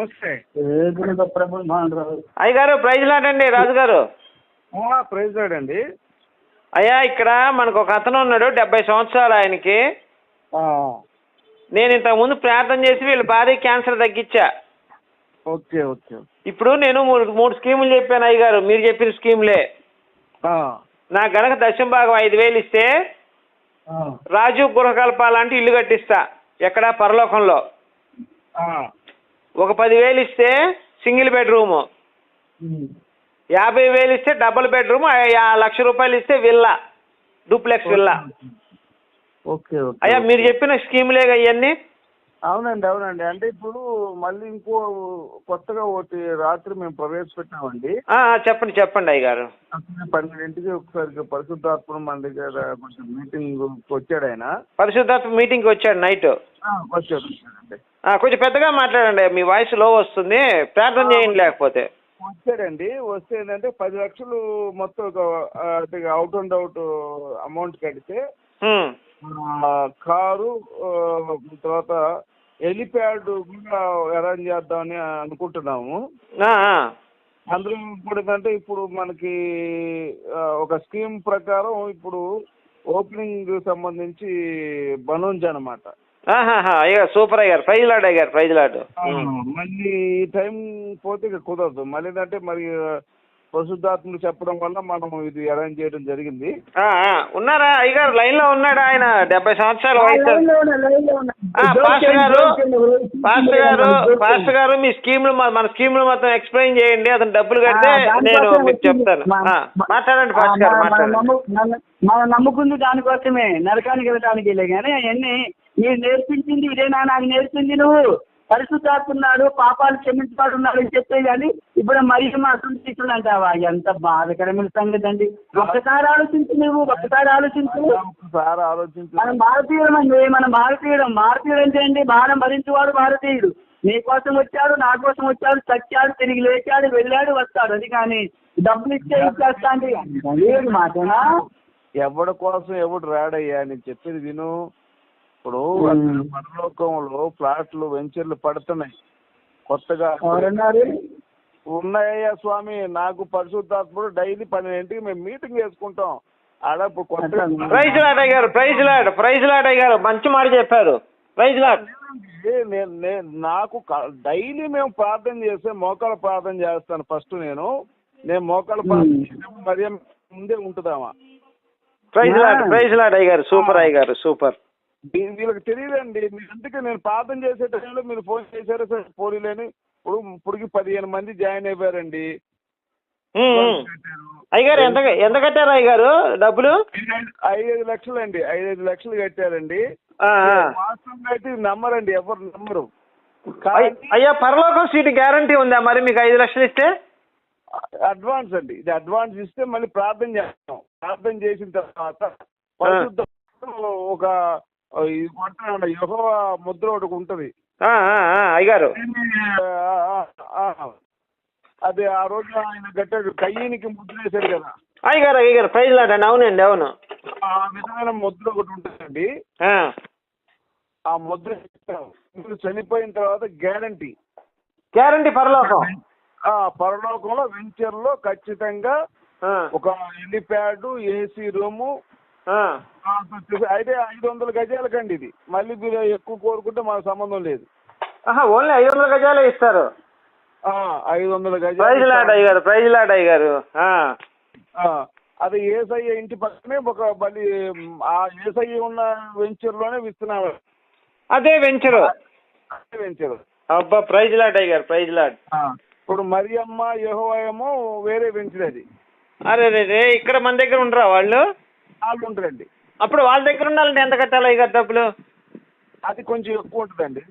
నమస్తే. అయ్యగారు ప్రైజ్ లాడండి రాజు గారు. ప్రైజ్ లాడండి. అయ్యా ఇక్కడ మనకు ఒక అతను ఉన్నాడు 70 సంవత్సరాలు ఆయనకి. నేను ఇంతకు ముందు ప్రార్థన చేసి వీళ్ళ భార్య క్యాన్సర్ తగ్గించా. Okay okay. ఇప్పుడు నేను మూడు స్కీములు చెప్పాను అయ్యగారు, మీరు చెప్పిన స్కీములే. నాకు గనక దశమ భాగం 5,000 ఇస్తే రాజు గృహకల్పాలంటే ఇల్లు కట్టిస్తా ఎక్కడ పరలోకంలో. ఒక 10,000 ఇస్తే సింగిల్ బెడ్రూము, 50,000 ఇస్తే డబుల్ బెడ్రూమ్, 1,00,000 రూపాయలు ఇస్తే villa, duplex villa. Okay okay. అయ్యా మీరు చెప్పిన స్కీములే ఇవన్నీ? అవునండి అవునండి. అంటే ఇప్పుడు మళ్ళీ ఇంకో కొత్తగా ఒకటి రాత్రి మేము ప్రవేశపెట్టామండి. చెప్పండి చెప్పండి అయ్యగారు. 12ంటికి ఒకసారి పరిశుద్ధాత్మ మన దగ్గర కొంచెం మీటింగ్ వచ్చాడు ఆయన. పరిశుద్ధాత్మ మీటింగ్కి వచ్చాడు నైట్? వచ్చాడండి. కొంచెం పెద్దగా మాట్లాడండి, మీ వాయిస్ లో వస్తుంది, ప్రార్థన చేయండి. లేకపోతే వచ్చాడండి. వస్తే ఏంటంటే 10 లక్షలు మొత్తం అవుట్ అండ్ అవుట్ అమౌంట్ కడితే కారు, తర్వాత హెలిప్యాడ్ కూడా అరేంజ్ చేద్దామని అనుకుంటున్నాము. అందులో ఇప్పుడు ఏంటంటే ఇప్పుడు మనకి ఒక స్కీమ్ ప్రకారం ఇప్పుడు ఓపెనింగ్ సంబంధించి బనోంజ్ అనమాట. అయ్యా సూపర్ అయ్యారు. ప్రైజ్ లాడ్ అయ్యారు, ప్రైజ్ లాడ్. మళ్ళీ ఈ టైం పోతే ఇక కుదరదు. మళ్ళీ ఏంటంటే మరి పరిశుద్ధాత్మలు చెప్పడం వల్ల మనం ఇది అరేంజ్ చేయడం జరిగింది. ఉన్నారా అయ్యగారు? లైన్ లో ఉన్నాడు ఆయన, 70 సంవత్సరాల వయసు. పాస్టర్ గారు మీ స్కీమ్లు, మన స్కీమ్లు మొత్తం ఎక్స్ప్లెయిన్ చేయండి. అతను డబ్బులు కడితే నేను మీకు చెప్తాను. మాట్లాడండి పాస్టర్ గారు, మాట్లాడండి. మనం నమ్ముకుంది దానికోసమే, నరకానికి వెళ్ళడానికి కానీ అవన్నీ మీరు నేర్పించింది ఇదేనా? నాకు నేర్పింది నువ్వు పరిశుద్ధాత్మున్నాడు, పాపాలు క్షమించుతాడు ఉన్నాడు అని చెప్పే కానీ ఇప్పుడు మరి మా అసలు అంటావా? ఎంత బాధకరమైన సంగతి అండి. ఒక్కసారి ఆలోచించు, నువ్వు ఒక్కసారి ఆలోచించు. మనం భారతీయుడు అండి, మనం భారతీయుడు అంటే అండి భారం భరించేవాడు భారతీయుడు. నీ కోసం వచ్చాడు, నా కోసం వచ్చాడు, చచ్చాడు, తిరిగి లేచాడు, వెళ్ళాడు, వస్తాడు. అది కానీ డబ్బులు ఇచ్చేస్తా అంటే మాటనా? ఎవడి కోసం ఎవడు రాడయ్యా, నేను చెప్పేది విను. ఇప్పుడు పరలోకంలో ఫ్లాట్లు వెంచర్లు పడుతున్నాయి కొత్తగా. ఉన్నాయ్యా స్వామి. నాకు పరిశుద్ధాత్ముడు డైలీ 12ంటికి మేము మీటింగ్ చేసుకుంటాం ఆడ. ఇప్పుడు కొత్తగా ప్రైజ్ లాడ్ అయ్యారు, ప్రైజ్ లాడ్ అయ్యారు, మంచి మాట చెప్పారు. Praise lord. నాకు డైలీ మేము ప్రార్థన చేస్తే మోకాళ్ళ ప్రార్థన చేస్తాను. ఫస్ట్ నేను మోకాళ్ళ ప్రార్థన చేసినప్పుడు మరి ముందే ఉంటుందామా? ప్రైజ్ లాడ్ అయ్యారు, సూపర్ అయ్యారు, సూపర్. వీళ్ళకి తెలియదండి. అందుకే నేను ప్రార్థన చేసే టైంలో మీరు ఫోన్ చేశారు సార్ పోలీలని. ఇప్పటికి 15 మంది జాయిన్ అయిపోయారండి. అయ్యగారు ఎంత కట్టారు అయ్యగారు డబ్బులు? 5 లక్షలు అండి. 5 లక్షలు కట్టారండి. వాస్తవంగా అయితే నమ్మరండి, ఎవరు నమ్మరు. అయ్యా పరలోకం సీటు గ్యారంటీ ఉందా మరి మీకు 5 లక్షలు ఇస్తే? అడ్వాన్స్ అండి, ఇది అడ్వాన్స్ ఇస్తే మళ్ళీ ప్రార్థన చేస్తాం. ప్రార్థన చేసిన తర్వాత పరిశుద్ధ ఒక యెహోవా ముద్ర ఒకటి ఉంటది అయ్యగారు. అది ఆ రోజు ఆయన గట్టాడు, కయ్యనికి ముద్ర వేశాడు కదా అయ్యగారు. ప్రైజ్ లాడ్ అండి. అవునండి, అవును. ఆ విధమైన ముద్ర ఒకటి ఉంటుందండి. ఆ ముద్ర చనిపోయిన తర్వాత గ్యారంటీ పరలోకంలో వెంచర్లో ఖచ్చితంగా ఒక హెలిప్యాడ్, ఏసీ రూము. అయితే 500 గజాలకండి ఇది. మళ్ళీ మీరు ఎక్కువ కోరుకుంటే మాకు సంబంధం లేదు. ఓన్లీ 500 గజాలే ఇస్తారు. 500 గజాలు. ప్రైజ్ లాడ్ అయ్యారు. అది ఏసయ్య ఇంటి పక్కనే ఒక మళ్ళీ ఆ ఏసయ్య ఉన్న వెంచర్ లోనే విస్తున్నాం. అదే వెంచర్. అబ్బా ప్రైజ్ లాడ్ అయ్యారు, ప్రైజ్ లాడ్. ఇప్పుడు మరియమ్మ యెహోవా ఏమో వేరే వెంచర్ అది. అరే ఇక్కడ మన దగ్గర ఉండరా వాళ్ళు? వాళ్ళు ఉంటారండి. అప్పుడు వాళ్ళ దగ్గర ఉండాలంటే ఎంత కట్టాలి అయ్యారు డబ్బులు? అది కొంచెం ఎక్కువ ఉంటుందండి.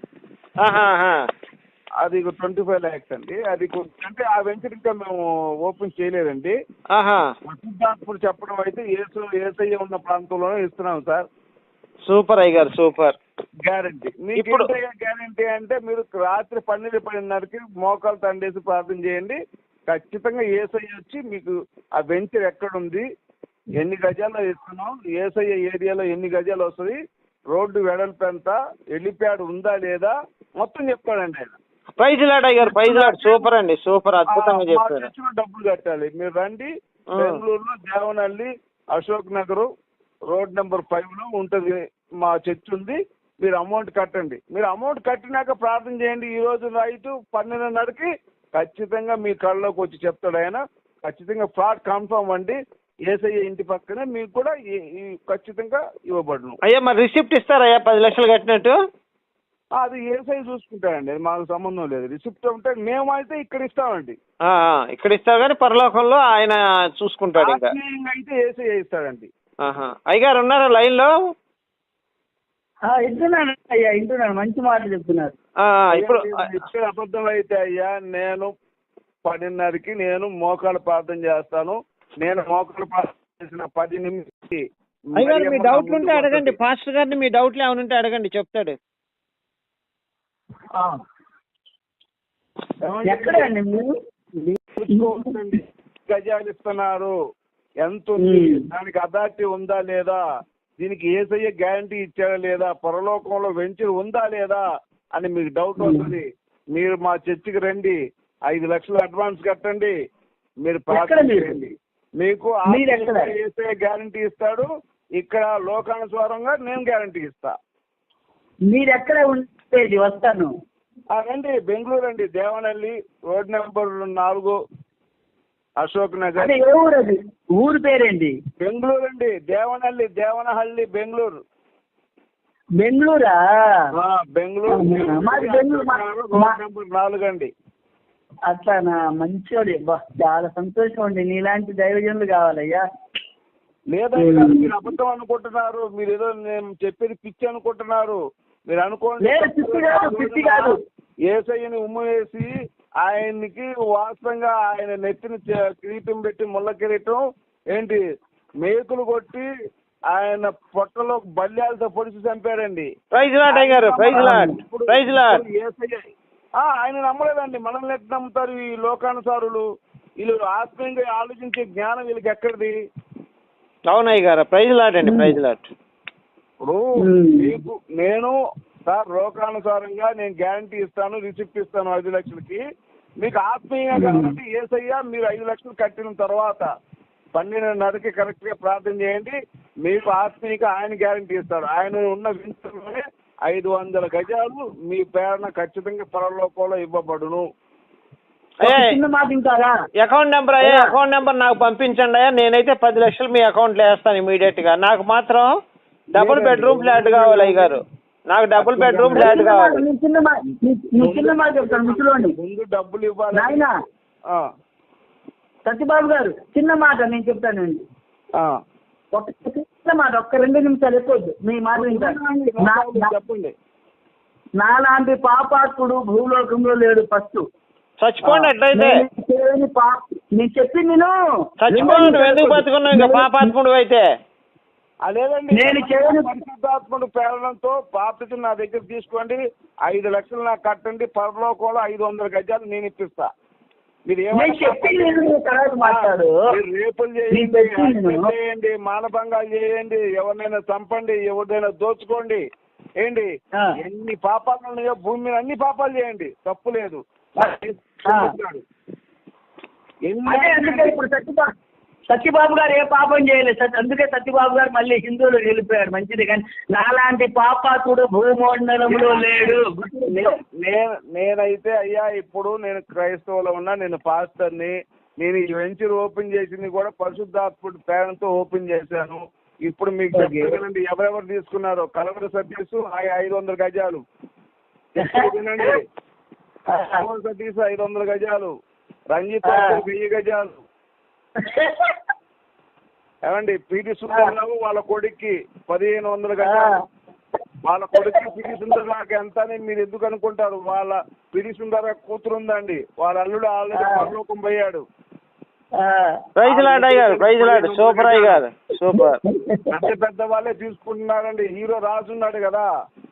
అది 25 lakhs అండి. అది అంటే ఆ వెంచర్ ఇంకా మేము ఓపెన్ చేయలేదండి. పరిశుద్ధాత్ముడు చెప్పడం అయితే ఏసయ్య ఉన్న ప్రాంతంలోనే ఇస్తున్నాం సార్. సూపర్ అయ్యారు, సూపర్. గ్యారంటీ. మీకు గ్యారంటీ అంటే మీరు రాత్రి 12:30కి మోకాలు తండేసి ప్రార్థన చేయండి. ఖచ్చితంగా ఏసయ్య వచ్చి మీకు ఆ వెంచర్ ఎక్కడుంది, ఎన్ని గజాల్లో ఇస్తున్నాం, ఏసయ్య ఏరియాలో ఎన్ని గజాలు వస్తుంది, రోడ్డు వెడల్పు ఎంత, హెలిప్యాడ్ ఉందా లేదా మొత్తం చెప్తాడండి ఆయన. ప్రైజ్ లాడ్ అయ్యారు, ప్రైజ్ లాడ్. సూపర్ అండి, సూపర్, అద్భుతంగా చెప్పారు. చర్చిలో డబ్బులు కట్టాలి. మీరు రండి, బెంగళూరులో దేవనహల్లి అశోక్ నగర్ రోడ్ నెంబర్ 5లో ఉంటుంది మా చర్చ్ ఉంది. మీరు అమౌంట్ కట్టండి. మీరు అమౌంట్ కట్టినాక ప్రార్థన చేయండి. ఈ రోజు నైట్ 12:30కి ఖచ్చితంగా మీ కళ్ళలోకి వచ్చి చెప్తాడు ఆయన. ఖచ్చితంగా ఫ్రాడ్ కన్ఫర్మ్ అండి. యేసయ్య ఇంటి పక్కనే మీకు కూడా ఖచ్చితంగా ఇవ్వబడును. అయ్యా మరి రిసిప్ట్ ఇస్తారయ్యా 10 లక్షలు కట్టినట్టు? అది యేసయ్య చూసుకుంటాడండి, అది మాకు సంబంధం లేదు. రిసిప్ట్ ఉంటే మేమైతే ఇక్కడ ఇస్తామండి. ఇక్కడ ఇస్తారు కానీ పరలోకంలో ఆయన చూసుకుంటాడు. ఇంకా అయితే యేసయ్య ఇస్తాడండి. అయ్యగారు ఉన్నారా లైన్ లో? వింటున్నాను అయ్యా, వింటున్నాను. మంచి మాటలు చెప్తున్నారు. ఇప్పుడు ఇచ్చే అబద్ధం అయితే అయ్యా, నేను 10:30కి నేను మోకాలు ప్రార్థన చేస్తాను. నేను మోకాలు ప్రార్థన చేసిన 10 నిమిషాలకి అయ్యగారు మీ డౌట్లు ఉంటే అడగండి, పాస్టర్ గారిని మీ డౌట్లు ఏమైనా ఉంటే అడగండి, చెప్తాడు. ఎక్కడండి మీరు? గజాలు ఇస్తున్నారు, ఎంత ఉంది, దానికి అథారిటీ ఉందా లేదా, దీనికి యేసయ్య గ్యారంటీ ఇచ్చాడా లేదా, పరలోకంలో వెంచర్ ఉందా లేదా అని మీకు డౌట్ వస్తుంది. మీరు మా చర్చికి రండి, 5 లక్షలు అడ్వాన్స్ కట్టండి, మీరు ప్రార్థన చేయండి. మీకు యేసయ్య గ్యారంటీ ఇస్తాడు. ఇక్కడ లోకానుసారంగా నేను గ్యారంటీ ఇస్తా. మీరు ఎక్కడ ఉండేది? వస్తాను. రండి, బెంగళూరు అండి, దేవనహల్లి రోడ్ నెంబర్ 4 అశోక్ నగర్. ఏ ఊరు అది? ఊరు పేరేంటి? బెంగళూరు అండి, దేవనహల్లి బెంగళూరు. బెంగళూరా? బెంగళూరు రోడ్ నెంబర్ 4 అండి. అట్లానా? మంచోడి, చాలా సంతోషం అండి. నీలాంటి దైవజనులు కావాలయ్యా. లేదయ్యా, మీరు అబద్ధం అనుకుంటున్నారు. మీరు ఏదో నేను చెప్పేది పిచ్చి అనుకుంటున్నారు. మీరు అనుకోండి యేసయ్యని ఉమ్ము వేసి ఆయనకి వాస్తవంగా ఆయన నెత్తిని కిరీటం పెట్టి ముళ్ళ కిరీటం ఏంటి మేకులు కొట్టి ఆయన పొట్టలో బల్యాలతో పొడిచి చంపాడండి. ఆయన నమ్మలేదండి. మనల్ని ఎట్లా నమ్ముతారు ఈ లోకానుసారులు? వీళ్ళు ఆత్మీయంగా ఆలోచించే జ్ఞానం వీళ్ళకి ఎక్కడిది? అవునయ్య గారు, ప్రైజ్ లాట్ అండి, ప్రైజ్ లాట్. ఇప్పుడు మీకు నేను సార్ లోకానుసారంగా నేను గ్యారంటీ ఇస్తాను, రిసిప్ట్ ఇస్తాను 5 లక్షలకి. మీకు ఆత్మీయంగా కాబట్టి యేసయ్య మీరు 5 లక్షలు కట్టిన తర్వాత 12:30కి కరెక్ట్ గా ప్రార్థన చేయండి. మీకు ఆత్మీయంగా ఆయన గ్యారంటీ ఇస్తాడు. ఆయన ఉన్న వింతలోనే 500 గజాలు మీ పేరున ఖచ్చితంగా పరలోకంలో ఇవ్వబడును. అకౌంట్ నెంబర్ నాకు పంపించండి అయ్యా. నేనైతే 10 లక్షలు మీ అకౌంట్ లో వేస్తాను ఇమీడియట్ గా. నాకు మాత్రం డబుల్ బెడ్రూమ్ ఫ్లాట్ కావాలి అయ్య గారు, నాకు డబుల్ బెడ్రూమ్ ఫ్లాట్ కావాలి. ముందు డబ్బులు ఇవ్వాలి. సత్యబాబు గారు చిన్న మాట నేను చెప్తానండి. ఒక చిన్న మాట, ఒక్క 2 నిమిషాలు ఎక్కువద్దు. మీ మాట చెప్పండి. నాలాంటి పాపాత్ముడు భూలోకంలో లేడు. ఫస్ట్ చచ్చిపోండి. అట్లయితే నేను చెప్పింది నేను చచ్చిపోండి. ఎందుకు బతుకున్నావు ఇంకా పాపాత్ముడు అయితే? అదేనండి, నేను పరిశుద్ధాత్ముడు ప్రేరణతో బాప్తిజం నా దగ్గర తీసుకోండి, 5 లక్షలు నాకు కట్టండి, పరలోకంలో 500 గజాలు నేను ఇప్పిస్తా. మీరు రేపులు చేయండి, మానభంగాలు చేయండి, ఎవరినైనా చంపండి, ఎవరినైనా దోచుకోండి, ఏంటి ఎన్ని పాపాలు ఉన్నాయో భూమి మీద అన్ని పాపాలు చేయండి, తప్పు లేదు. సత్యబాబు గారు ఏ పాపం చేయలేదు, అందుకే సత్యబాబు గారు మళ్ళీ హిందువులు వెళ్ళిపోయారు. మంచిది, కానీ నాలాంటి పాపాత్ముడు భూమండలంలో లేడు. నేనైతే అయ్యా ఇప్పుడు నేను క్రైస్తవులో ఉన్నా, నేను పాస్టర్ని. నేను ఈ వెంచర్ ఓపెన్ చేసింది కూడా పరిశుద్ధాత్ముడి ప్రేరణతో ఓపెన్ చేశాను. ఇప్పుడు మీకు చెప్పగలండి ఎవరెవరు తీసుకున్నారో. కలవర సతీష్ 500 గజాలు, వినండి, సతీష్ 500 గజాలు, రంజిత్ 1000 గజాలు, ఏమండి పిటి సుందరరావు వాళ్ళ కొడుక్కి 1500 గజాలు, వాళ్ళ కొడుక్కి పిటి సుందరరావుకి ఎంత అని మీరు ఎందుకు అనుకుంటారు? వాళ్ళ పిటి సుందర కూతురు ఉందండి, వాళ్ళ అల్లుడు ఆల్రెడీ పరలోకం పోయాడు. సూపర్ అయ్య గారు, సూపర్. పెద్ద వాళ్ళే తీసుకుంటున్నారండి. హీరో రాజు ఉన్నాడు కదా,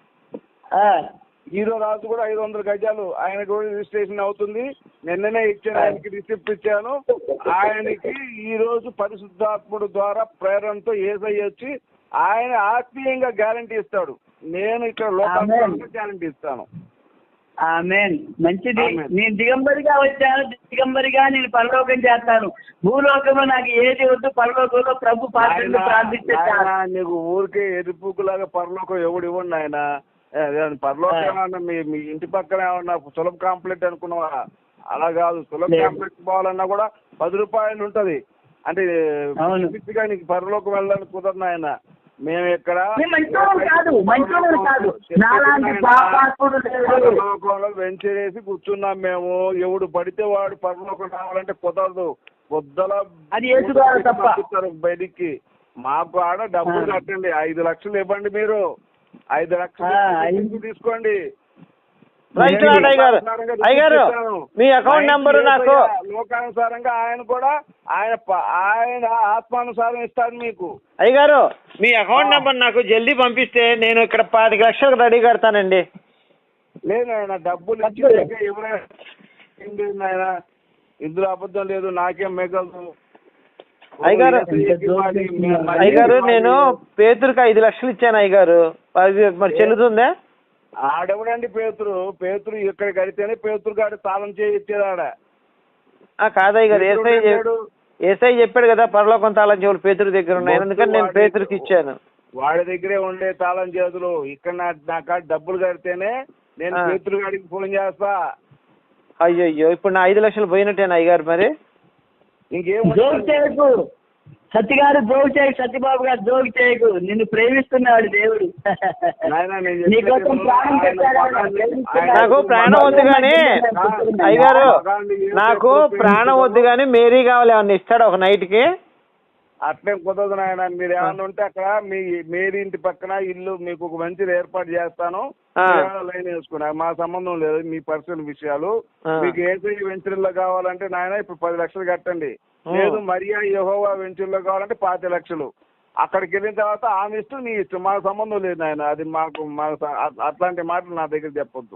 హీరో రాజు కూడా 500 గజాలు ఆయన కూడా రిజిస్ట్రేషన్ అవుతుంది. నిన్ననే ఇచ్చాను, ఆయనకి రిసిప్ట్ ఇచ్చాను. ఆయనకి ఈ రోజు పరిశుద్ధాత్ముడు ద్వారా ప్రేరణతో యేసయ్య వచ్చి ఆయన ఆత్మీయంగా గ్యారంటీ ఇస్తాడు. నేను ఇక్కడ లోకాత్మకంగా గ్యారంటీ ఇస్తాను. ఆమేన్. మంచిది. ఆమేన్. నేను దిగంబరిగా వచ్చాను, దిగంబరిగా నేను పరలోకం చేస్తాను. భూలోకంలో నాకు ఏది వద్దు, పరలోకంలో ప్రభు పాత్రను ప్రార్థిస్తే చాలు. నాయనా, నీకు ఊరికే ఎరుపుకులాగా పరలోకం ఎవడు ఇవ్వండి ఆయన. పరలోకం ఏమన్నా మీ ఇంటి పక్కన ఏమన్నా సులభ కాంప్లెక్స్ అనుకున్నావా? అలా కాదు. సులభ లేదు. కాంప్లెక్స్ పోవాలన్నా కూడా 10 రూపాయలు ఉంటది. అంటే అవును. పిచ్చిగా నీకు పరలోకం వెళ్ళడానికి కుదరదు ఆయన. మేము ఇక్కడ మంచోడు కాదు, మంచోడు కాదు, నాలాంటి పాపాత్ముడు లేడు. పరలోకంలో వెంచరేసి కూర్చున్నాం మేము. ఎవడు పడితే వాడు పరలోకం రావాలంటే కుదరదు. పొద్దుల అది యేసుగారు తప్ప. బయటికి మాకు ఆడ డబ్బులు కట్టండి. 5 లక్షలు ఇవ్వండి. మీరు 5 లక్షలు తీసుకోండి. రైట్ అయ్యగారు. అయ్యగారు మీ అకౌంట్ నెంబర్ నాకు లోకానుసారంగా ఆయన కూడా ఆయన ఆత్మానుసారం ఇస్తాడు మీకు. అయ్యగారు మీ అకౌంట్ నెంబర్ నాకు జల్దీ పంపిస్తే నేను ఇక్కడ 25 లక్షలకు రెడీ కడతానండి. లేదు ఆయన డబ్బులు ఇచ్చి ఎవరైనా ఇందులో అబద్ధం లేదు. నాకేం మిగలదు. అయ్యగారు నేను పేతురుకి 5 లక్షలు ఇచ్చాను అయ్యగారు. అది మరి చెల్లుతుందా? ఆడెవడండి పేతురు ఇక్కడ కడితేనే పేతురు గారు తాళం చేయి ఇచ్చేది ఆడ. కాదయ్య గారు, ఏసై చెప్పాడు కదా పరలోకం తాళం చెవులు పేతురు దగ్గర ఉన్నాయి, అందుకని నేను పేతురుకి ఇచ్చాను. వాడి దగ్గరే ఉండే తాళం చేతులు. ఇక్కడ నాకు డబ్బులు కడితేనే నేను పేతురు గారికి ఫోన్ చేస్తా. అయ్యో ఇప్పుడు నా 5 లక్షలు పోయినట్టేనా అయ్యగారు? మరి ఇంకేం చేయకు సత్య గారు, జోగు చేయకు. సత్యబాబు గారు జోగు చేయకు. నిన్ను ప్రేమిస్తున్నాడు దేవుడు. నీకోసం ప్రాణం పెట్టాడు. నాకు ప్రాణం వద్దు కానీ అయ్యగారు, నాకు ప్రాణం వద్దు కానీ మేరీ కావాలి. ఏమన్నా ఇస్తాడు ఒక నైట్ కి? అట్లే కుదరదు నాయన. మీరు ఏమన్నా ఉంటే అక్కడ మేరీ ఇంటి పక్కన ఇల్లు మీకు ఒక మంచి ఏర్పాటు చేస్తాను. లైన్ వేసుకున్నా మా సంబంధం లేదు. మీ పర్సనల్ విషయాలు. మీకు ఏసీ వెంచర్లో కావాలంటే నాయన ఇప్పుడు 10 లక్షలు కట్టండి. లేదు మరియా యెహోవా వెంచర్లో కావాలంటే 25 లక్షలు. అక్కడికి వెళ్ళిన తర్వాత ఆమె ఇష్టం, నీ ఇష్టం. మాకు సంబంధం లేదు నాయన. అది మాకు అట్లాంటి మాటలు నా దగ్గర చెప్పొద్దు.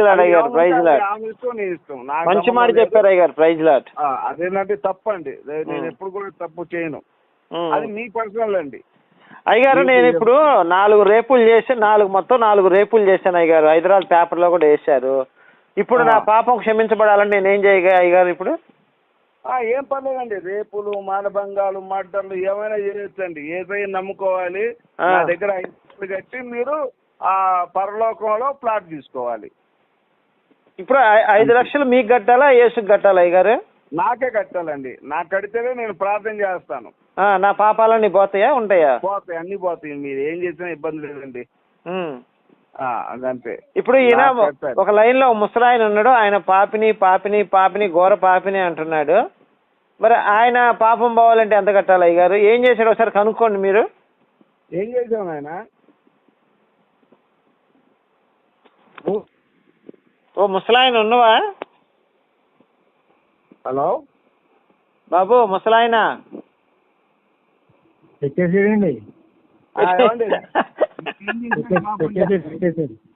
ఆమె ఇష్టం, నీ ఇష్టం. మంచి మాట చెప్పారు అయ్యారు. Praise lord. అదేంటంటే తప్పండి. నేను ఎప్పుడు కూడా తప్పు చేయను. అది మీ పర్సనల్ అండి. అయ్యగారు నేను ఇప్పుడు 4 రేపులు చేసి మొత్తం 4 రేపులు చేశాను అయ్యగారు. హైదరాబాద్ పేపర్లో కూడా వేశారు. ఇప్పుడు నా పాపం క్షమించబడాలని నేనేం చేయగా అయ్యగారు? ఇప్పుడు ఏం పర్లేదండి. రేపులు, మానభంగాలు, మర్డర్లు ఏమైనా చేయొచ్చండి. ఏదైనా నమ్ముకోవాలి. నా దగ్గర 5 లక్షలు కట్టి మీరు ఆ పరలోకంలో ప్లాట్ తీసుకోవాలి. ఇప్పుడు 5 లక్షలు మీకు కట్టాలా యేసుకి కట్టాలా అయ్యగారు? నాకే కట్టాలండి. నాకు కడితేనే నేను ప్రార్థన చేస్తాను. నా పాపాలన్నీ పోతాయా ఉంటాయా? పోతాయి, అన్ని పోతాయి. మీరు ఏం చేసినా ఇబ్బంది లేదండి. అదంతే. ఇప్పుడు ఈయన ఒక లైన్ లో ముసలాయన ఉన్నాడు. ఆయన పాపిని ఘోర పాపిని అంటున్నాడు. మరి ఆయన పాపం పోవాలంటే ఎంత కట్టాలి అయ్యగారు? ఏం చేశాడు ఒకసారి కనుక్కోండి మీరు. ఏం చేశాను ఆయన? ఓ ముసలాయన ఉన్నవా? హలో బాబు ముసలాయన పెట్టేసేయండి.